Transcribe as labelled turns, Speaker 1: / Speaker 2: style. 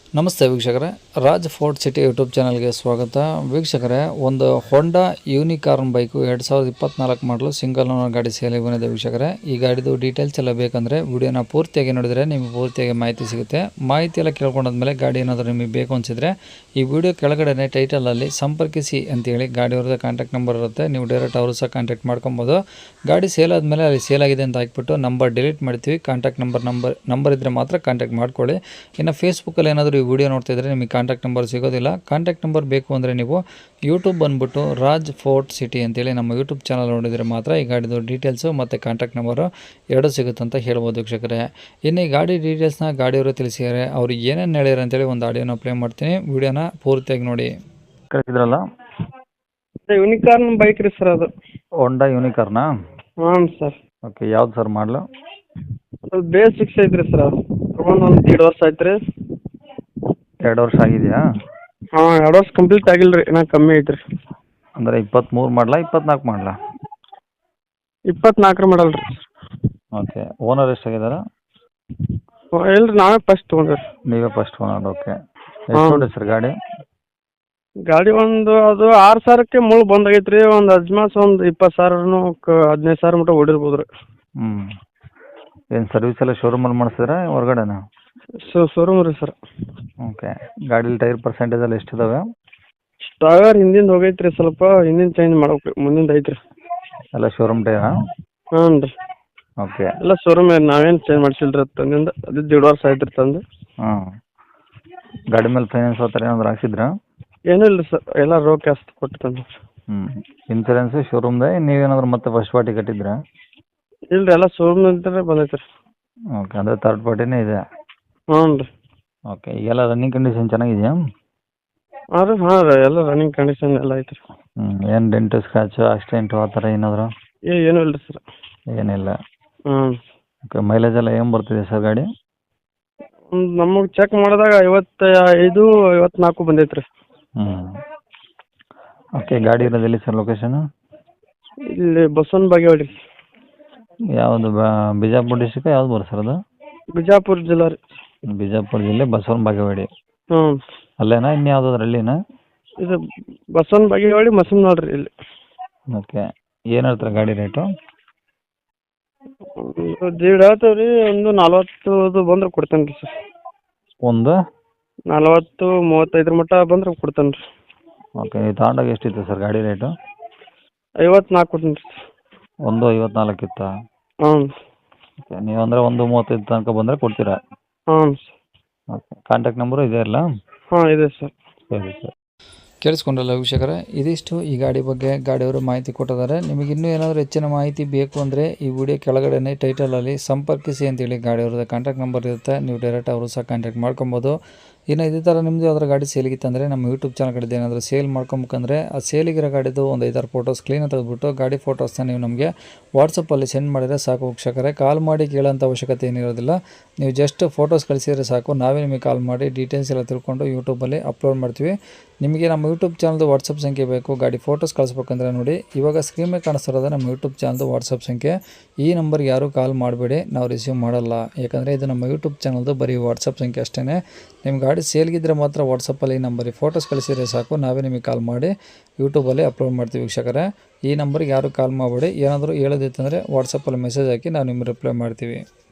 Speaker 1: ನಮಸ್ತೆ ವೀಕ್ಷಕರೇ, Raj fort city YouTube ಚಾನಲ್ಗೆ ಸ್ವಾಗತ. ವೀಕ್ಷಕರೇ, ಒಂದು ಹೊಂಡಾ ಯೂನಿಕಾರ್ನ್ ಬೈಕು 2024 ಮಾಡಲು ಸಿಂಗಲ್ ಓನರ್ ಗಾಡಿ ಸೇಲಿಗೆ ಬಂದಿದೆ. ವೀಕ್ಷಕರೇ, ಈ ಗಾಡಿದು ಡೀಟೇಲ್ಸ್ ಎಲ್ಲ ಬೇಕಂದರೆ ವಿಡಿಯೋನ ಪೂರ್ತಿಯಾಗಿ ನೋಡಿದರೆ ನಿಮಗೆ ಪೂರ್ತಿಯಾಗಿ ಮಾಹಿತಿ ಸಿಗುತ್ತೆ. ಮಾಹಿತಿ ಎಲ್ಲ ಕೇಳ್ಕೊಂಡಾದ್ಮೇಲೆ ಗಾಡಿ ಏನಾದರೂ ನಿಮಗೆ ಬೇಕು ಅನಿಸಿದರೆ ಈ ವಿಡಿಯೋ ಕೆಳಗಡೆ ಟೈಟಲಲ್ಲಿ ಸಂಪರ್ಕಿಸಿ ಅಂತೇಳಿ ಗಾಡಿಯವ್ರದ್ದು ಕಾಂಟ್ಯಾಕ್ಟ್ ನಂಬರ್ ಇರುತ್ತೆ. ನೀವು ಡೈರೆಕ್ಟ್ ಅವರು ಸಹ ಕಾಂಟ್ಯಾಕ್ಟ್ ಮಾಡ್ಕೊಬೋದು. ಗಾಡಿ ಸೇಲ್ ಆದಮೇಲೆ ಅಲ್ಲಿ ಸೇಲ್ ಆಗಿದೆ ಅಂತ ಹಾಕ್ಬಿಟ್ಟು ನಂಬರ್ ಡಿಲೀಟ್ ಮಾಡ್ತೀವಿ. ಕಾಂಟ್ಯಾಕ್ಟ್ ನಂಬರ್ ಇದ್ದರೆ ಮಾತ್ರ ಕಾಂಟ್ಯಾಕ್ಟ್ ಮಾಡ್ಕೊಳ್ಳಿ. ಇನ್ನು ಫೇಸ್ಬುಕ್ಕಲ್ಲಿ ಏನಾದರೂ ಈ ವಿಡಿಯೋ ನೋಡ್ತಾ ಇದ್ದರೆ ನಿಮಗೆ ಕಾಂಟ್ಯಾಕ್ಟ್ ನಂಬರ್ ಸಿಗೋದಿಲ್ಲ. ಕಾಂಟ್ಯಾಕ್ಟ್ ನಂಬರ್ ಬೇಕು ಅಂದರೆ ನೀವು ಯೂಟ್ಯೂಬ್ ಬಂದುಬಿಟ್ಟು ರಾಜ್ ಫೋರ್ಟ್ ಸಿಟಿ ಅಂತೇಳಿ ನಮ್ಮ ಯೂಟ್ಯೂಬ್ ಚಾನಲ್ ನೋಡಿದರೆ ಮಾತ್ರ ಈ ಗಾಡಿದು ಡೀಟೇಲ್ಸು ಮತ್ತು ಕಾಂಟ್ಯಾಕ್ಟ್ ನಂಬರು ಎರಡೂ ಸಿಗುತ್ತೆ ಅಂತ ಹೇಳ್ಬೋದು ವೀಕ್ಷಕರೇ. ಇನ್ನು ಈ ಗಾಡಿ ಡೀಟೇಲ್ಸ್ನ ಗಾಡಿಯವರು ತಿಳಿಸಿದ್ದಾರೆ. ಅವರು ಏನೇನು ಹೇಳ್ಯಾರ ಅಂತೇಳಿ ಒಂದು ಆಡಿಯೋನ ಪ್ಲೇ ಮಾಡ್ತೀನಿ, ವಿಡಿಯೋನ ಪೂರ್ತಿಯಾಗಿ ನೋಡಿ. ಕಳಿಸಿದ್ರಲ್ಲ
Speaker 2: ಯೂನಿಕಾರ್ನ್ ಬೈಕ್ ರೀ ಸರ್, ಅದು
Speaker 1: ಹೊಂಡಾ ಯೂನಿಕಾರ್ನಾ?
Speaker 2: ಹಾಂ ಸರ್.
Speaker 1: ಓಕೆ, ಯಾವ್ದು ಸರ್ ಮಾಡಲು?
Speaker 2: ಅದು ಬೇಸಿಕ್ಸ್ ಐತ್ರಿ ಸರ್. ಅದು ತೊಗೊಂಡು ಒಂದು 2 ವರ್ಷ ಆಯ್ತು ರೀ.
Speaker 1: 2 ವರ್ಷ ಆಗಿದೆಯಾ?
Speaker 2: ಹಾಂ, 2 ವರ್ಷ ಕಂಪ್ಲೀಟ್ ಆಗಿಲ್ಲ ರೀ, ಇನ್ನೂ ಕಮ್ಮಿ ಐತ್ರಿ.
Speaker 1: ಅಂದರೆ 23 ಮಾಡಲಾ 24 ಮಾಡಲಾ?
Speaker 2: 24 ಮಾಡಲ್ ರೀ.
Speaker 1: ಓಕೆ, ಓನರ್ ಎಷ್ಟಾಗಿದ್ದಾರೆ?
Speaker 2: ಇಲ್ಲ ರೀ, ನಾವೇ ಫಸ್ಟ್ ತೊಗೊಂಡ್ರಿ.
Speaker 1: ನೀವೇ ಫಸ್ಟ್ ಓನರ್. ಓಕೆ, ಎಷ್ಟು ನೋಡಿ ಸರ್ ಗಾಡಿ?
Speaker 2: ಗಾಡಿ ಅದು 6,000ಕ್ಕೆ ಮುಳು ಬಂದಾಗೈತೆ ರೀ. ಒಂದು ಅಜ್ಮಾಸ್ ಒಂದು 20,000 15,000 ಮಟ್ಟ ಓಡಿರ್ಬೋದು ರೀ.
Speaker 1: ಏನು ಸರ್ವಿಸ್ ಎಲ್ಲ ಶೋರೂಮಲ್ಲಿ ಮಾಡಿಸಿದ್ರೆ ಹೊರಗಡೆನಾ?
Speaker 2: ಶೋರೂಮ್ ರೀ ಸರ್.
Speaker 1: ಓಕೆ, ಗಾಡೀಲಿ ಟೈರ್ ಪರ್ಸೆಂಟೇಜ್ ಎಲ್ಲ ಎಷ್ಟಿದಾವೆ?
Speaker 2: ಟೈರ್ ಹಿಂದಿಂದ ಹೋಗೈತೆ ರೀ, ಸ್ವಲ್ಪ ಹಿಂದಿನ ಚೇಂಜ್ ಮಾಡ್ಬೇಕು ರೀ, ಮುಂದಿಂದ ಐತೆ ರೀ.
Speaker 1: ಎಲ್ಲ ಶೋರೂಮ್ ಟೈರಾ?
Speaker 2: ಹಾಂ ರೀ.
Speaker 1: ಓಕೆ,
Speaker 2: ಎಲ್ಲ ಶೋರೂಮ್ ನಾವೇನು ಚೇಂಜ್ ಮಾಡಿಸಿಲ್ಲ ರೀ ತಂದಿಂದ. ಅದು 1.5 ವರ್ಷ ಆಯ್ತು ರೀ ತಂದು.
Speaker 1: ಹಾಂ, ಗಾಡಿ ಮೇಲೆ ಫೈನಾನ್ಸ್ ಆ ಥರ ಏನಾದ್ರು ಹಾಕ್ಸಿದ್ರಾ?
Speaker 2: ಏನೂ ಇಲ್ಲ ರೀ ಸರ್, ಎಲ್ಲ ರೋ ಕ್ಯಾಶ್ ಕೊಟ್ಟು ತಂದು.
Speaker 1: ಇನ್ಸೂರೆನ್ಸು ಶೋರೂಮ್ದೇ, ನೀವೇನಾದ್ರು ಮತ್ತೆ ಫಸ್ಟ್ ಪಾರ್ಟಿ ಕಟ್ಟಿದ್ರಾ?
Speaker 2: ಇಲ್ಲ ರೀ, ಎಲ್ಲ ಶೋರೂಮ್ ಅಂತಲೇ ಬಂದೈತೆ ರೀ.
Speaker 1: ಓಕೆ, ಅಂದರೆ ಥರ್ಡ್ ಪಾರ್ಟಿನೇ ಇದೆ.
Speaker 2: ಹ್ಞೂ ರೀ.
Speaker 1: ಓಕೆ, ಈಗೆಲ್ಲ ರನ್ನಿಂಗ್ ಕಂಡೀಷನ್ ಚೆನ್ನಾಗಿದೆಯಾ?
Speaker 2: ಹಾಂ ರೀ, ಎಲ್ಲ ರನ್ನಿಂಗ್ ಕಂಡೀಷನ್ ಎಲ್ಲ ಐತೆ ರೀ.
Speaker 1: ಏನು ಡೆಂಟು ಸ್ಕ್ರಾಚು ಆಕ್ಸಿಡೆಂಟು ಆ ಥರ ಏನಾದರೂ?
Speaker 2: ಏನೂ ಇಲ್ಲ ರೀ ಸರ್.
Speaker 1: ಏನಿಲ್ಲ.
Speaker 2: ಹ್ಞೂ.
Speaker 1: ಓಕೆ, ಮೈಲೇಜ್ ಎಲ್ಲ ಏನು ಬರ್ತಿದೆ ಸರ್ ಗಾಡಿ?
Speaker 2: ನಮಗೆ ಚೆಕ್ ಮಾಡಿದಾಗ 55 54 ಬಂದೈತೆ ರೀ.
Speaker 1: ಓಕೆ, ಗಾಡಿ ಇರೋದು ಎಲ್ಲಿ ಸರ್ ಲೊಕೇಶನು?
Speaker 2: ಇಲ್ಲಿ ಬಸವನ ಬಾಗೇವಾಡಿ.
Speaker 1: ಯಾವುದು ಬಿಜಾಪುರ ಡಿಸ್ಟಿಕ್ ಯಾವ್ದು ಬರುತ್ತೆ ಸರ್ ಅದು?
Speaker 2: ಬಿಜಾಪುರ ಜಿಲ್ಲಾ ರೀ.
Speaker 1: ಬಿಜಾಪುರ ಜಿಲ್ಲೆ ಬಸವನ ಬಾಗೇವಾಡಿ.
Speaker 2: ಹ್ಞೂ.
Speaker 1: ಅಲ್ಲೇನಾ ಇನ್ಯಾವುದಾದ್ರು ಹಳ್ಳಿನಾ?
Speaker 2: ಇದು ಬಸವನ ಬಾಗೇವಾಡಿ ಮಸಮ್ನಾಳ್ ರೀ ಇಲ್ಲಿ.
Speaker 1: ಓಕೆ, ಏನು ಹೇಳ್ತಾರೆ ಗಾಡಿ ರೇಟು?
Speaker 2: ದೀಡ್ ಹೇಳ್ತೇವೆ ರೀ. ಒಂದು 40 ಬಂದ್ರೆ ಕೊಡ್ತೇನೆ ರೀ ಸರ್.
Speaker 1: ಒಂದು
Speaker 2: 40 35 ಮಟ್ಟ ಬಂದ್ರೆ ಕೊಡ್ತೇನೆ ರೀ.
Speaker 1: ಓಕೆ, ನೀವು ತಗೊಂಡಾಗ ಎಷ್ಟಿತ್ತು ಸರ್ ಗಾಡಿ ರೇಟು?
Speaker 2: 54 ಕೊಡ್ತೀನಿ ರೀ.
Speaker 1: 1.54 ಇತ್ತಾ?
Speaker 2: ಹ್ಞೂ.
Speaker 1: ಓಕೆ, ನೀವು ಅಂದರೆ 1.35 ತನಕ ಬಂದರೆ ಕೊಡ್ತೀರಾ?
Speaker 2: ಹಾಂ.
Speaker 1: ಓಕೆ, ಕಾಂಟ್ಯಾಕ್ಟ್ ನಂಬರು ಇದೆ ಅಲ್ಲ?
Speaker 2: ಹಾಂ, ಇದೆ ಸರ್.
Speaker 1: ಸರಿ ಸರ್. ಕೇಳಿಸ್ಕೊಂಡ್ರಲ್ಲ ವೀಕ್ಷಕರೇ, ಇದಿಷ್ಟು ಈ ಗಾಡಿ ಬಗ್ಗೆ ಗಾಡಿಯವರು ಮಾಹಿತಿ ಕೊಟ್ಟಿದ್ದಾರೆ. ನಿಮಗೆ ಇನ್ನೂ ಏನಾದರೂ ಹೆಚ್ಚಿನ ಮಾಹಿತಿ ಬೇಕು ಅಂದರೆ ಈ ವಿಡಿಯೋ ಕೆಳಗಡೆ ಟೈಟಲಲ್ಲಿ ಸಂಪರ್ಕಿಸಿ ಅಂತೇಳಿ ಗಾಡಿಯವ್ರದ್ದು ಕಾಂಟ್ಯಾಕ್ಟ್ ನಂಬರ್ ಇರುತ್ತೆ. ನೀವು ಡೈರೆಕ್ಟ್ ಅವರು ಸಹ ಕಾಂಟ್ಯಾಕ್ಟ್ ಮಾಡ್ಕೊಬೋದು. ಇನ್ನು ಇದೇ ಥರ ನಿಮ್ಮದು ಯಾವ್ದಾರ ಗಾಡಿ ಸೇಲಿಗಿತ್ತಂದರೆ ನಮ್ಮ ಯೂಟ್ಯೂಬ್ ಚಾನಲ್ ಕಡೆದು ಏನಾದರೂ ಸೇಲ್ ಮಾಡ್ಕೊಬೇಕಂದ್ರೆ ಆ ಸೇಲಿಗಿರೋ ಗಾಡಿದು ಒಂದು 5-6 ಫೋಟೋಸ್ ಕ್ಲೀನಾಗಿ ತೆಗೆದುಬಿಟ್ಟು ಗಾಡಿ ಫೋಟೋಸ್ನ ನೀವು ನಮಗೆ ವಾಟ್ಸಪ್ಪಲ್ಲಿ ಸೆಂಡ್ ಮಾಡಿದರೆ ಸಾಕು ವೀಕ್ಷಕರೇ. ಕಾಲ್ ಮಾಡಿ ಕೇಳೋಂಥ ಅವಶ್ಯಕತೆ ಏನಿರೋದಿಲ್ಲ. ನೀವು ಜಸ್ಟ್ ಫೋಟೋಸ್ ಕಳಿಸಿದರೆ ಸಾಕು, ನಾವೇ ನಿಮಗೆ ಕಾಲ್ ಮಾಡಿ ಡೀಟೇಲ್ಸ್ ಎಲ್ಲ ತಿಳ್ಕೊಂಡು ಯೂಟ್ಯೂಬಲ್ಲಿ ಅಪ್ಲೋಡ್ ಮಾಡ್ತೀವಿ. ನಿಮಗೆ ನಮ್ಮ ಯೂಟ್ಯೂಬ್ ಚಾನಲ್ದು ವಾಟ್ಸಪ್ ಸಂಖ್ಯೆ ಬೇಕು ಗಾಡಿ ಫೋಟೋಸ್ ಕಳಿಸ್ಬೇಕಂದ್ರೆ ನೋಡಿ, ಇವಾಗ ಸ್ಕ್ರೀನ್ ಮೇಲೆ ಕಾಣಿಸ್ತಿರೋದು ನಮ್ಮ ಯೂಟ್ಯೂಬ್ ಚಾನಲ್ದು ವಾಟ್ಸಪ್ ಸಂಖ್ಯೆ. ಈ ನಂಬರ್ಗೆ ಯಾರೂ ಕಾಲ್ ಮಾಡಬೇಡಿ, ನಾವು ರಿಸೀವ್ ಮಾಡಲ್ಲ. ಯಾಕಂದರೆ ಇದು ನಮ್ಮ ಯೂಟ್ಯೂಬ್ ಚಾನಲ್ದು ಬರೀ ವಾಟ್ಸಪ್ ಸಂಖ್ಯೆ ಅಷ್ಟೇ. ನಿಮ್ಮ ಗಾಡಿ ಸೇಲ್ಗಿದ್ರೆ ಮಾತ್ರ ವಾಟ್ಸಪ್ಪಲ್ಲಿ ಈ ನಂಬರಿಗೆ ಫೋಟೋಸ್ ಕಳಿಸಿದರೆ ಸಾಕು, ನಾವೇ ನಿಮಗೆ ಕಾಲ್ ಮಾಡಿ ಯೂಟ್ಯೂಬಲ್ಲಿ ಅಪ್ಲೋಡ್ ಮಾಡ್ತೀವಿ ವೀಕ್ಷಕರೇ. ಈ ನಂಬರ್ಗೆ ಯಾರೂ ಕಾಲ್ ಮಾಡಬೇಡಿ. ಏನಾದರೂ ಹೇಳೋದಿತ್ತಂದರೆ ವಾಟ್ಸಪ್ಪಲ್ಲಿ ಮೆಸೇಜ್ ಹಾಕಿ ನಾವು ನಿಮಗೆ ರಿಪ್ಲೈ ಮಾಡ್ತೀವಿ.